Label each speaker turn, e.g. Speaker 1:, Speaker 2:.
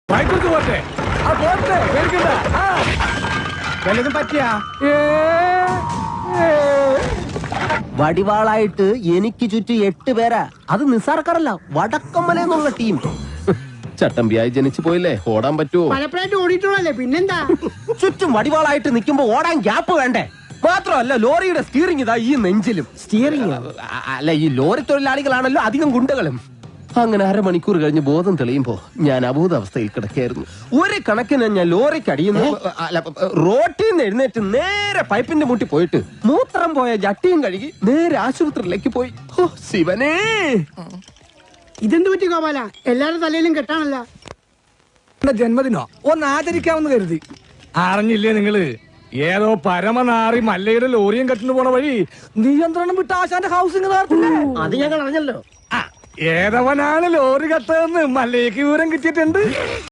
Speaker 1: വല്ലതും പറ്റിയാ?
Speaker 2: വടിവാളായിട്ട് എനിക്ക് ചുറ്റും 8 പേരാ. അത് നിസ്സാർക്കാരല്ല, വടക്കമ്മല എന്നുള്ള ടീം. ചട്ടമ്പിയായി ജനിച്ചു പോയില്ലേ, ഓടാൻ പറ്റുമോ?
Speaker 3: പലപ്പോഴായിട്ട് ഓടിയിട്ടുള്ളല്ലേ, പിന്നെന്താ?
Speaker 2: ചുറ്റും വടിവാളായിട്ട് നിൽക്കുമ്പോ ഓടാൻ ഗ്യാപ്പ് വേണ്ടേ? മാത്രമല്ല, ലോറിയുടെ സ്റ്റിയറിംഗ് ഇതാ ഈ നെഞ്ചിലും.
Speaker 1: സ്റ്റിയറിംഗ്
Speaker 2: അല്ല, ഈ ലോറി തൊഴിലാളികളാണല്ലോ അധികം ഗുണ്ടകളും. അങ്ങനെ അരമണിക്കൂർ കഴിഞ്ഞ് ബോധം തെളിയുമ്പോ ഞാൻ അബോധാവസ്ഥയിൽ കിടക്കായിരുന്നു. ഒരു കണക്കിന് ഞാൻ ലോറിക്ക് അടിയുന്നു, അല്ല, റോട്ടിൽ നിന്ന് എഴുന്നേറ്റ് നേരെ പൈപ്പിന്റെ മുട്ടി പോയിട്ട് മൂത്രം പോയ ജട്ടിയും കഴുകി നേരെ ആശുപത്രിയിലേക്ക് പോയി. ഓ ശിവനേ,
Speaker 3: ഇതെന്ത് പറ്റി ഗോപാല? എല്ലാരുടെ തലയിലും കെട്ടാണല്ല.
Speaker 1: ജന്മദിനോ ഒന്ന് ആചരിക്കാമെന്ന് കരുതി. അറിഞ്ഞില്ലേ നിങ്ങള്, ഏതോ പരമനാറി മല്ലയുടെ ലോറിയും കെട്ടിന് പോണ വഴി നിയന്ത്രണം വിട്ട ആശാന്റെ ഹൗസിംഗ്
Speaker 2: അത് ഞങ്ങൾ അറിഞ്ഞല്ലോ.
Speaker 1: ഏതവനാണ് ലോറി കെട്ടതെന്ന് മല്ലയ്ക്ക് വിവരം കിട്ടിയിട്ടുണ്ട്.